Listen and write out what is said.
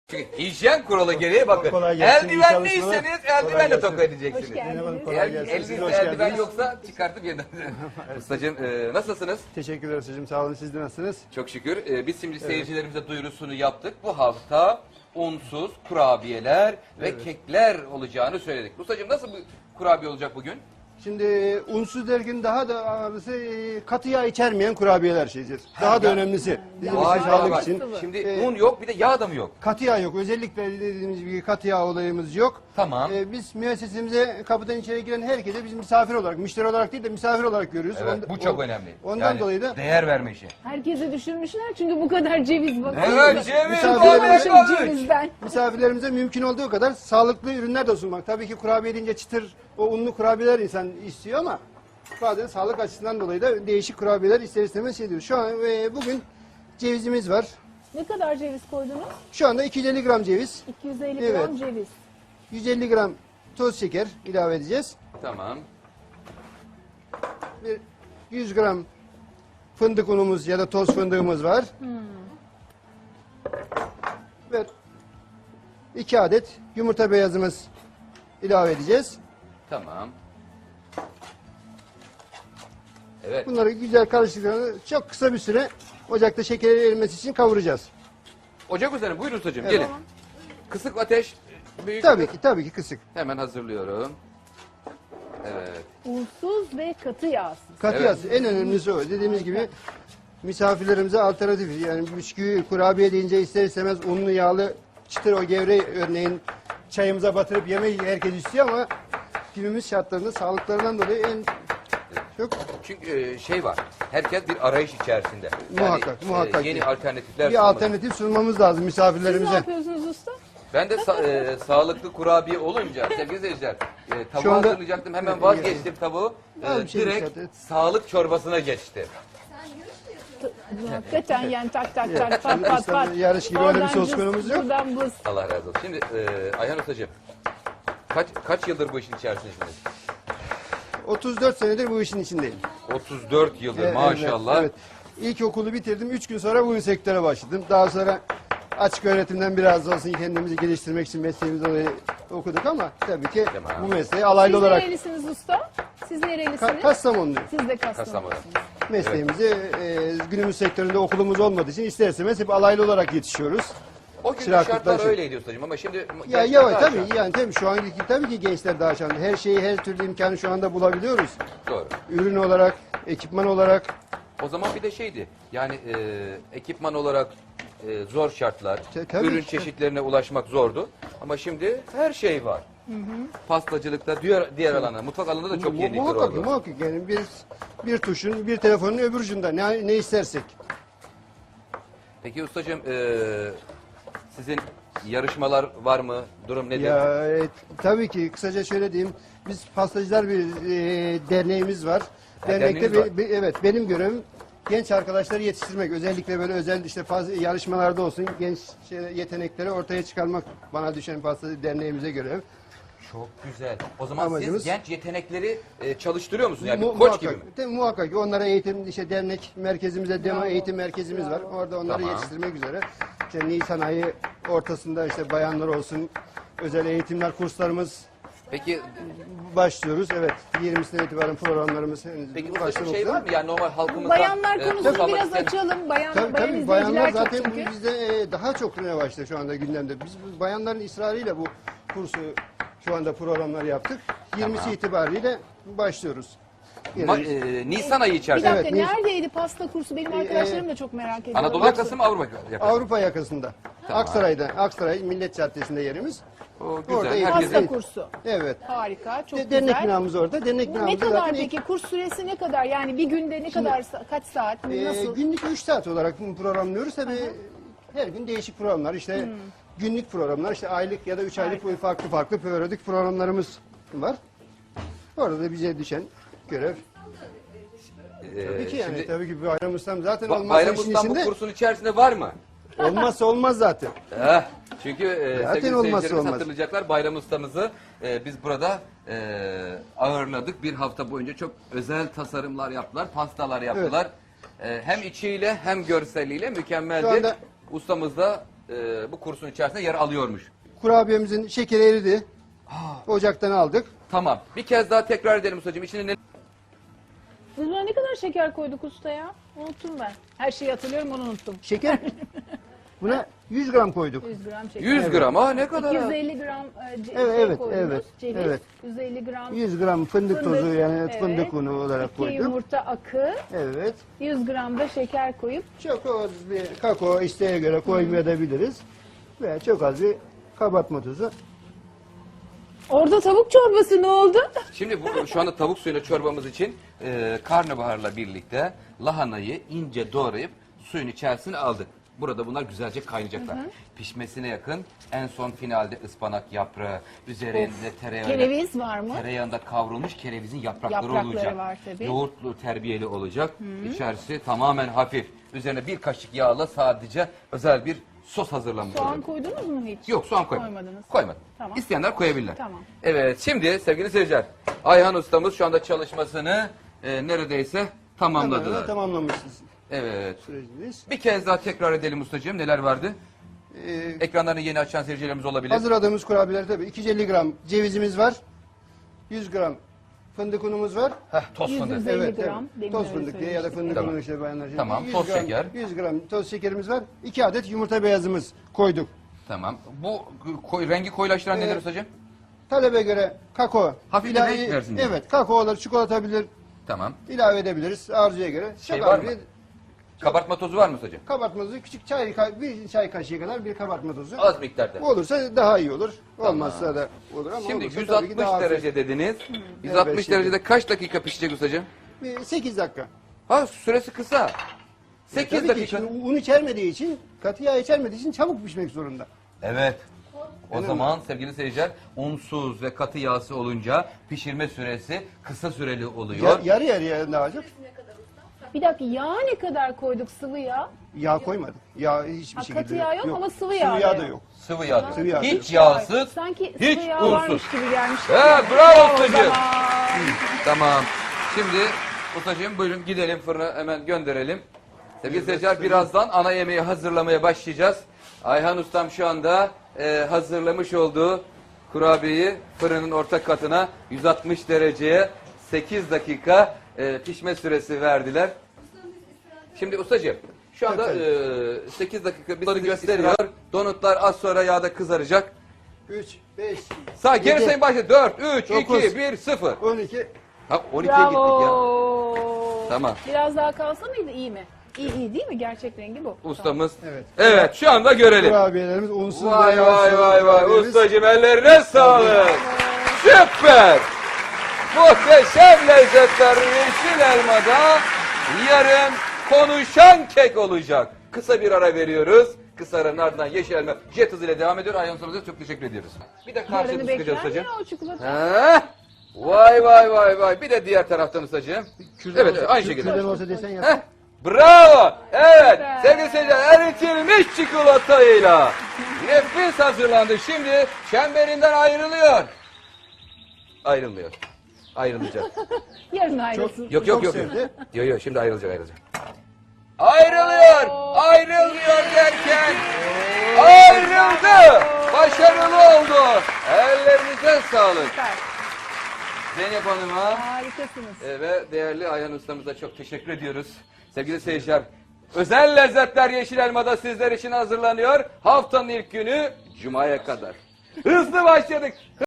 Çünkü hijyen kuralı gereği bakın. Kolay gelsin, iyi Eldivenliyseniz çalışmalar. eldivenle Kolay toka gelsin. edeceksiniz. Merhaba, kolay gelsin. Siz de Elinizde hoş eldiven geldiniz. yoksa çıkartıp yeniden. Ustacığım nasılsınız? Teşekkürler hocam. Sağ olun. Siz de nasılsınız? Çok şükür. Biz şimdi seyircilerimize duyurusunu yaptık. Bu hafta unsuz kurabiyeler ve kekler olacağını söyledik. Ustacığım nasıl bir kurabiye olacak bugün? Şimdi unsuz derken daha da ağırlısı katı yağ içermeyen kurabiyeler şeydir. Daha da önemlisi. Bizim Vay sağlık vay. için. Şimdi un yok bir de yağ da mı yok? Katı yağ yok. Özellikle dediğimiz gibi katı yağ olayımız yok. Tamam. Biz müessesemize kapıdan içeri giren herkese biz misafir olarak, müşteri olarak değil de misafir olarak görüyoruz. Evet, bu çok önemli. Ondan Yani dolayı da değer verme işi. Herkese düşünmüşler çünkü bu kadar ceviz bakın. Evet, ceviz, Misafirlerimize- balık, Cevizden. misafirlerimize mümkün olduğu kadar sağlıklı ürünler de sunmak. Tabii ki kurabiye deyince çıtır, o unlu kurabiyeler insan istiyor ama bazen sağlık açısından dolayı da değişik kurabiyeler ister istemez şey diyor. Şu an bugün cevizimiz var. Ne kadar ceviz koydunuz? Şu anda 250 gram ceviz, 250 Evet. gram ceviz. 150 gram toz şeker ilave edeceğiz. Tamam. Bir 100 gram fındık unumuz ya da toz fındığımız var. Ve 2 adet yumurta beyazımız ilave edeceğiz. Tamam. Evet. Bunları güzel karıştırdıklarını çok kısa bir süre ocakta şekerin erimesi için kavuracağız. Ocak üzerine buyurun ustacığım Evet. gelin. Kısık ateş büyük. Tabii ki kısık. Hemen hazırlıyorum. Evet. Unsuz ve katı yağsız. Katı Evet. yağsız. En önemlisi o. Dediğimiz gibi misafirlerimize alternatif. Yani bisküvi, kurabiye deyince ister istemez unlu, yağlı, çıtır o gevreği örneğin çayımıza batırıp yemeyi herkes istiyor ama günümüz şartlarında sağlıklarından dolayı en çok Çünkü şey var. Herkes bir arayış içerisinde. Muhakkak. Yeni alternatifler bir sunmak. alternatif sunmamız lazım Siz ne misafirlerimize. yapıyorsunuz usta? Ben de sağlıklı kurabiye olunca sevgili seyirciler tavuğu Şu anda- hazırlayacaktım hemen vazgeçtim tavuğu. Abi bir şey Direkt dikkat et. sağlık çorbasına geçti. Hakikaten yani tak tak tak pat pat İşte pat. yarış gibi öyle bir Oradan söz cız, konumuz yok. Buradan buz. Allah razı olsun. Şimdi Ayhan Ustacığım kaç yıldır bu işin içerisindesiniz? 34 senedir bu işin içindeyim. 34 yıldır Evet, maşallah. Evet. İlkokulu bitirdim. 3 gün sonra bu sektöre başladım. Daha sonra açık öğretimden biraz da olsun kendimizi geliştirmek için mesleğimizi dolayı okuduk ama tabii ki Tamam. bu mesleği alaylı Siz olarak nerelisiniz usta? Siz nerelisiniz? Kastamonluyum. Siz de Kastamonu. Kastamonu'sunuz. Mesleğimizi günümüz sektöründe okulumuz olmadığı için ister istemez hep alaylı olarak yetişiyoruz. O gün Çıraklıktan şartlar şey. öyleydi ustacığım ama şimdi Ya gençler yavaş daha tabii şanslı. yani tabii şu anki tabii ki gençler daha şanslı. Her şeyi her türlü imkanı şu anda bulabiliyoruz. Doğru. Ürün olarak, ekipman olarak. O zaman bir de şeydi yani ekipman olarak zor şartlar, Tabii ürün ki. çeşitlerine ulaşmak zordu. Ama şimdi her şey var. Pastacılıkta, diğer alanda, mutfak alanında da çok yenilikler Muhakkak, oldu. muhakkak yani bir tuşun, bir telefonun öbür ucunda ne istersek. Peki ustacığım sizin yarışmalar var mı? Durum nedir? Ya tabii ki kısaca şöyle diyeyim. Biz pastacılar bir derneğimiz var. Ha, Dernekte derneğiniz var. evet benim görevim genç arkadaşları yetiştirmek. Özellikle böyle özel işte yarışmalarda olsun genç yetenekleri ortaya çıkarmak bana düşen pastacı derneğimize görev. Çok güzel. O zaman Amacımız- siz genç yetenekleri çalıştırıyor musunuz? Yani bir koç Muhakkak, gibi mi? muhakkak ki onlara eğitim işte dernek merkezimize demo eğitim merkezimiz var. Orada onları Tamam. yetiştirmek üzere. İşte Nisan ayı ortasında işte bayanlar olsun özel eğitimler kurslarımız Peki başlıyoruz. Evet 20'sinden itibaren programlarımız henüz ustacığım başlamak şey üzere. var mı? Yani normal halkımızda Bayanlar konusunu kalmak biraz isteyen- açalım. Bayan Tabii, izleyiciler bayanlar çok zaten çünkü. bu bizde daha çok revaçta şu anda gündemde. Biz bu bayanların ısrarıyla bu kursu şu anda programlar yaptık. 20'si Tamam. itibariyle başlıyoruz. Nisan ayı Bir içerisinde. dakika Evet, neredeydi pasta kursu? Benim arkadaşlarım da çok merak ediyor. Anadolu yakası mı Avrupa yakası? Avrupa yakasında. Tamam. Aksaray Millet Caddesi'nde yerimiz. O güzel. Orada Herkesin- Pasta kursu. Evet. Harika, çok Dernek güzel. binamız orada. Dernek Ne binamız kadar zaten peki? Kurs süresi ne kadar? Yani bir günde ne kadar, kaç saat, nasıl? günlük 3 saat olarak bunu programlıyoruz. Tabii her gün değişik programlar. İşte günlük programlar, işte aylık ya da 3 aylık böyle farklı periyodik programlarımız var. Orada da bize düşen görev. Tabii ki yani şimdi tabii ki Bayram Ustam zaten olmazsa Bayram işin Ustam bu içinde kursun içerisinde var mı? olmazsa olmaz zaten. Çünkü Zaten sevgili olmazsa seyircilerimiz olmaz. hatırlayacaklar Bayram Ustamızı biz burada ağırladık. Bir hafta boyunca çok özel tasarımlar yaptılar, pastalar yaptılar. Hem içiyle hem görseliyle mükemmeldi. Şu anda- Ustamız da bu kursun içerisinde yer alıyormuş. Kurabiyemizin şekeri eridi. Ocaktan aldık. Tamam. Bir kez daha tekrar edelim ustacığım. İçine ne? Biz buna ne kadar şeker koyduk usta ya? Unuttum ben. Her şeyi hatırlıyorum, onu unuttum. Şeker. Buna 100 gram koyduk. 100 gram şeker. 100 gram. Aa ne kadar? 250 gram Evet, koydunuz. evet, Ceviz. evet. 150 gram 100 gram fındık tozu yani evet. fındık unu olarak 2 koyduk. yumurta akı. Evet. 100 gram da şeker koyup Çok az bir kakao isteğe göre koymayabiliriz. Veya çok az bir kabartma tozu. orada tavuk çorbası ne oldu? Şimdi şu anda tavuk suyuyla çorbamız için karnabaharla birlikte lahanayı ince doğrayıp suyun içerisine aldık. Burada bunlar güzelce kaynayacaklar. Pişmesine yakın en son finalde ıspanak yaprağı, üzerinde Kereviz var mı? tereyağında kavrulmuş kerevizin yaprakları, Yaprakları olacak. var tabii. Yoğurtlu terbiyeli olacak. İçerisi tamamen hafif. Üzerine bir kaşık yağla sadece özel bir sos hazırlanmış Soğan olacak. koydunuz mu hiç? Yok soğan koymadım. Koymadınız. Koymadım. Tamam. İsteyenler koyabilirler. Tamam. Evet şimdi sevgili seyirciler Ayhan ustamız şu anda çalışmasını neredeyse tamamladılar. Tamamlamışız Evet. sürecimiz. Bir kez daha tekrar edelim ustacığım neler vardı? Ee, Ekranlarını yeni açan seyircilerimiz olabilir. hazırladığımız kurabiyeler tabii 250 gram cevizimiz var. 100 gram fındık unumuz var. Heh, toz 100 fındık. üzeri- 50 gram, evet. demin Toz öyle fındık diye ya da söylemiştik. fındık Tamam. unu işte bayanlar. Tamam, 100 toz gram, şeker. 100 gram toz şekerimiz var. 2 adet yumurta beyazımız koyduk. Tamam. Bu rengi koyulaştıran nedir ustacığım? Talebe göre kakao. Hafif bir renk versin diye. Evet, kakao olur, çikolata olabilir. Tamam. İlave edebiliriz arzuya göre. Şey Çok var az mı? bir Kabartma tozu var mı ustacığım? kabartma tozu, küçük bir çay kaşığı kadar bir kabartma tozu. Az miktarda. Bu olursa daha iyi olur. Olmazsa da olur ama Şimdi olursa tabii ki 160 daha hafif. derece dediniz. 160 Evet, derecede kaç dakika pişecek ustacığım? Bir 8 dakika. Ha süresi kısa. 8 Tabii ki dakika. şimdi un içermediği için, katı yağ içermediği için çabuk pişmek zorunda. Evet. O Öyle zaman sevgili seyirciler unsuz ve katı yağsı olunca pişirme süresi kısa süreli oluyor. Yarı yarıya dağılacak. Bir dakika, yağ ne kadar koyduk, sıvı yağ? Yağ koymadık. Yağ hiçbir Ha, şekilde katı yağ yok ama sıvı yağ Sıvı da yağ da yok. yok. Sıvı yağ. Sıvı yağ. Hiç yağsız, Sanki hiç sıvı yağ unsuz. varmış gibi gelmiş. Bravo O ustacığım. zaman. Tamam. Şimdi ustacığım buyurun gidelim fırına hemen gönderelim. Sevgili seyirciler birazdan ana yemeği hazırlamaya başlayacağız. Ayhan ustam şu anda hazırlamış olduğu kurabiyeyi fırının orta katına 160 dereceye 8 dakika pişme süresi verdiler. Şimdi ustacığım şu anda 8 dakika bizleri gösteriyor. Donutlar az sonra yağda kızaracak. 3, 5, Sağ geri Yedi. sayın başladı. 4, 3, 9. 2, 1, 0. 12. Ha 12'ye gittik ya. Bravo. Tamam. Biraz daha kalsa mıydı, iyi mi? İyi değil mi? Gerçek rengi bu. Ustamız. Evet. Evet şu anda görelim. Kurabiyelerimiz unsuz ve Vay yağsız vay vay vay kurabiyemiz. ustacığım ellerine sağlık. Süper. Muhteşem lezzetler yeşil elmada yarın konuşan kek olacak. Kısa bir ara veriyoruz. Kısa aranın ardından yeşil elma jet hızıyla devam ediyor. Ayhan Usta'ya çok teşekkür ediyoruz. Bir de Yarını karşılıklı bekler sıkacağız mi ustacığım. ya o çikolata? Ha? Vay vay vay vay. Bir de diğer taraftan ustacığım. Kürdan Evet olsa- aynı şekilde. Kürdan olsa desen yap. Heh, bravo. Evet. Süper. Sevgili seyirciler eritilmiş çikolatayla nefis hazırlandı. Şimdi çemberinden ayrılıyor. Ayrılmıyor. Ayrılacak. Yarın ayrılsın. Yok yok Çok yok. sevdi. Yok yok şimdi ayrılacak. Ayrılıyor. Ayrılıyor derken ayrıldı. Başarılı oldu. Ellerinize sağlık. Süper. Zeynep Hanım'a Harikasınız. ve değerli Ayhan ustamıza çok teşekkür ediyoruz. Sevgili seyirciler, özel lezzetler Yeşil Elma'da sizler için hazırlanıyor. Haftanın ilk günü Cuma'ya kadar. Hızlı başladık.